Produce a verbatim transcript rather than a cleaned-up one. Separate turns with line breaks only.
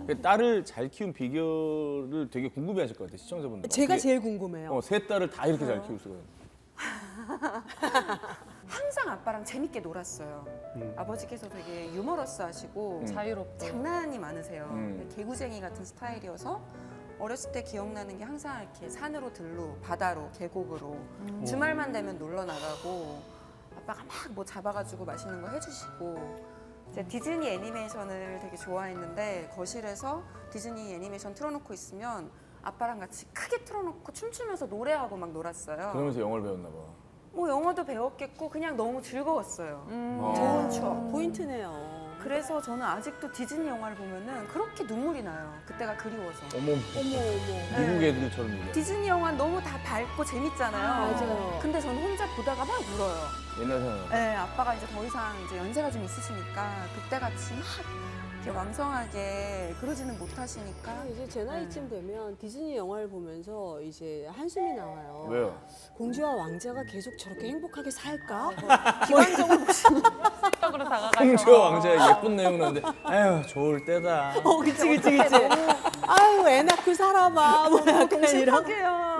그 딸을 잘 키운 비결을 되게 궁금해하실 것 같아요, 시청자분들.
제가 제일 궁금해요.
어, 세 딸을 다 이렇게 잘 키울 수가 있는.
항상 아빠랑 재밌게 놀았어요.
음.
아버지께서 되게 유머러스하시고
음.
자유롭고.
장난이 많으세요.
음.
개구쟁이 같은 스타일이어서 어렸을 때 기억나는 게 항상 이렇게 산으로 들로, 바다로, 계곡으로 주말만 되면 놀러 나가고 아빠가 막 뭐 잡아가지고 맛있는 거 해주시고 이제 디즈니 애니메이션을 되게 좋아했는데 거실에서 디즈니 애니메이션 틀어놓고 있으면 아빠랑 같이 크게 틀어놓고 춤추면서 노래하고 막 놀았어요.
그러면서 영어를 배웠나 봐.
뭐 영어도 배웠겠고 그냥 너무 즐거웠어요.
아.
좋은 추억.
포인트네요.
그래서 저는 아직도 디즈니 영화를 보면은 그렇게 눈물이 나요. 그때가 그리워서.
어머,
어머 어머.
미국 애들처럼 얘기해.
디즈니 영화 너무 다 밝고 재밌잖아요.
맞아요.
근데 저는 혼자 보다가 막 울어요.
옛날 생각.
네, 아빠가 이제 더 이상 이제 연세가 좀 있으시니까 그때 같이 막 이렇게 왕성하게 그러지는 못하시니까.
이제 제 나이쯤 되면 디즈니 영화를 보면서 이제 한숨이 나와요.
왜요?
공주와 왕자가 계속 저렇게 행복하게 살까?
기관적으로
적으로 다가가서.
홍주와 왕자의 예쁜 내용 나는데, 아휴, 좋을 때다.
어, 그치, 그치, 그치. 아유, 애 낳고 살아봐. 뭐 약간 이런.
행복해요.